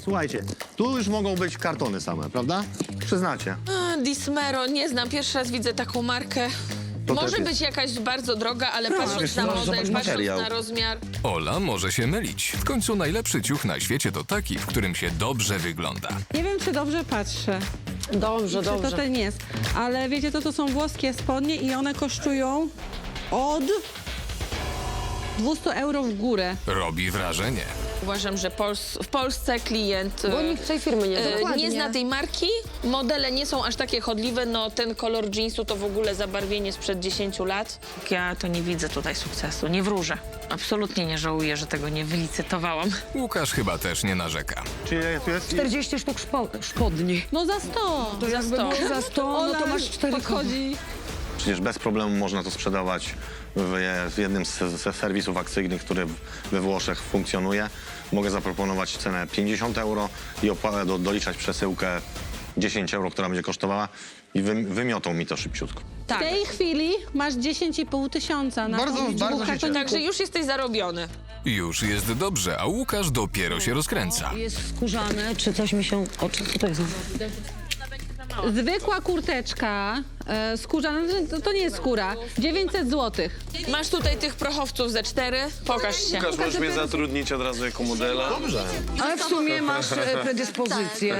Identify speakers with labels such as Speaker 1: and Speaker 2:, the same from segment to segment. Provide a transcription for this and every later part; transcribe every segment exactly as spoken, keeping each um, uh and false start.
Speaker 1: Słuchajcie, tu już mogą być kartony same, prawda? Przyznacie.
Speaker 2: A, Dismero, nie znam, pierwszy raz widzę taką markę.
Speaker 1: To
Speaker 2: Może
Speaker 1: też jest-
Speaker 2: być jakaś bardzo droga, ale patrząc
Speaker 1: wiesz
Speaker 2: na
Speaker 1: co,
Speaker 2: model,
Speaker 1: zobacz
Speaker 2: patrząc
Speaker 1: materiał.
Speaker 2: na rozmiar...
Speaker 3: Ola może się mylić. W końcu najlepszy ciuch na świecie to taki, w którym się dobrze wygląda.
Speaker 4: Nie wiem, czy dobrze patrzę.
Speaker 5: Dobrze,
Speaker 4: Czy to
Speaker 5: dobrze.
Speaker 4: ten jest. Ale wiecie, to, to są włoskie spodnie i one kosztują od dwieście euro w górę.
Speaker 3: Robi wrażenie.
Speaker 2: Uważam, że Pols w Polsce klient
Speaker 5: Bo
Speaker 2: e,
Speaker 5: nikt tej firmy nie
Speaker 2: e,
Speaker 5: zna.
Speaker 2: nie zna tej marki, modele nie są aż takie chodliwe, no ten kolor jeansu to w ogóle zabarwienie sprzed dziesięciu lat. Ja to nie widzę tutaj sukcesu, nie wróżę. Absolutnie nie żałuję, że tego nie wylicytowałam.
Speaker 3: Łukasz chyba też nie narzeka.
Speaker 1: Czyli tu jest...
Speaker 5: czterdzieści sztuk szpo spodni.
Speaker 4: No za sto.
Speaker 2: Za sto.
Speaker 5: Za sto, no to masz cztery
Speaker 4: podchodzi.
Speaker 1: Przecież bez problemu można to sprzedawać w, w jednym z, ze serwisów akcyjnych, który we Włoszech funkcjonuje. Mogę zaproponować cenę pięćdziesiąt euro i opłatę do, doliczać przesyłkę dziesięć euro, która będzie kosztowała i wy, wymiotą mi to szybciutko.
Speaker 4: W tej chwili masz dziesięć i pół tysiąca na
Speaker 1: Bardzo-
Speaker 4: tą liczbę
Speaker 1: bardzo się
Speaker 4: kartoników.
Speaker 2: Także już jesteś zarobiony.
Speaker 3: Już jest dobrze, a Łukasz dopiero się rozkręca.
Speaker 5: Jest skórzane, czy coś mi się... O, czy co to jest?
Speaker 4: Zwykła kurteczka e, skórzana, to, to nie jest skóra, dziewięćset złotych.
Speaker 2: Masz tutaj tych prochowców ze cztery, pokaż się.
Speaker 6: Łukasz, możesz mnie zatrudnić od razu jako modela?
Speaker 1: Dobrze.
Speaker 5: Ale w sumie masz e, predyspozycję.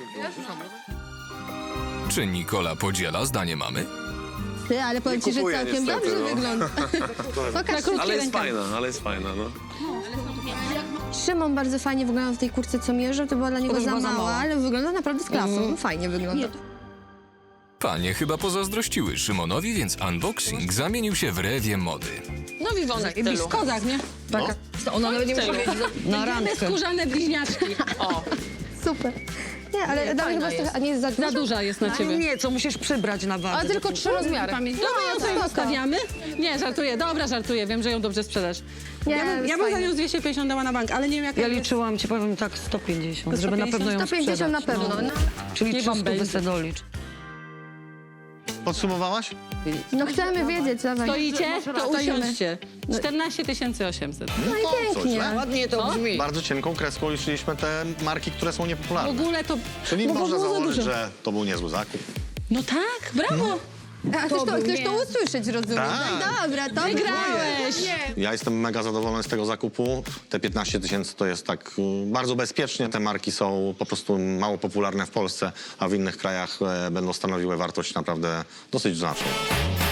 Speaker 3: Czy Nikola podziela zdanie mamy?
Speaker 7: Ty, ale powiem ci, że
Speaker 6: kupuję
Speaker 7: całkiem
Speaker 6: niestety,
Speaker 7: dobrze
Speaker 6: no.
Speaker 7: wygląda. Pokaż.
Speaker 6: Ale jest fajna, ale jest fajna, no.
Speaker 7: Szymon bardzo fajnie wyglądał w tej kurce, co mierzył. To była dla niego
Speaker 5: To
Speaker 7: za
Speaker 5: była za
Speaker 7: mała,
Speaker 5: mała.
Speaker 7: ale wygląda naprawdę z klasą. Fajnie wygląda.
Speaker 3: Panie chyba pozazdrościły Szymonowi, więc unboxing zamienił się w rewie mody.
Speaker 2: No Wiwonek
Speaker 5: I
Speaker 2: tylu.
Speaker 4: Kozak, nie?
Speaker 5: Taka, ona nawet nie musi mieć na
Speaker 4: Te
Speaker 5: randkę.
Speaker 4: skórzane bliźniaczki.
Speaker 2: O,
Speaker 7: Super. Nie, ale dla mnie chyba jest trochę, a nie jest za
Speaker 4: Za
Speaker 7: dużo?
Speaker 4: duża jest na ciebie.
Speaker 5: Nie, co musisz przybrać na wagę.
Speaker 7: A tylko trzy rozmiary.
Speaker 4: Pamięć. Dobra, ją sobie zostawiamy. Nie, żartuję, dobra, żartuję, wiem, że ją dobrze sprzedasz.
Speaker 7: Nie,
Speaker 4: ja bym,
Speaker 7: jest
Speaker 4: ja bym za
Speaker 7: fajnie.
Speaker 4: nią z dwieście pięćdziesiąt dała na bank, ale nie wiem jaka
Speaker 5: Ja
Speaker 4: jest.
Speaker 5: liczyłam, ci powiem tak, sto pięćdziesiąt, żeby na pewno ją
Speaker 7: sto pięćdziesiąt na
Speaker 5: sprzedać.
Speaker 7: pewno.
Speaker 5: No.
Speaker 7: No,
Speaker 5: Czyli
Speaker 4: Nie wam
Speaker 5: trzysta
Speaker 4: będzie.
Speaker 5: by se dolicz.
Speaker 1: Podsumowałaś?
Speaker 7: no chcemy wiedzieć, dawaj.
Speaker 4: Stoicie, to
Speaker 7: Stoimy.
Speaker 4: usiądźcie. czternaście tysięcy osiemset.
Speaker 7: No i
Speaker 1: To coś,
Speaker 7: pięknie.
Speaker 1: nie?
Speaker 5: Ładnie to brzmi.
Speaker 1: Bardzo cienką kreską liczyliśmy te marki, które są
Speaker 4: W
Speaker 1: niepopularne.
Speaker 4: ogóle to...
Speaker 1: Czyli
Speaker 7: No bo
Speaker 1: można
Speaker 7: było za
Speaker 1: założyć,
Speaker 7: dużo.
Speaker 1: że to był niezły zakup.
Speaker 4: No tak, brawo.
Speaker 7: A chcesz to, chcesz to usłyszeć, rozumiem?
Speaker 1: Tak.
Speaker 7: No dobra, to
Speaker 4: Wygrałeś.
Speaker 1: Ja jestem mega zadowolony z tego zakupu. Te piętnaście tysięcy to jest tak y, bardzo bezpiecznie. Te marki są po prostu mało popularne w Polsce, a w innych krajach e, będą stanowiły wartość naprawdę dosyć znaczną.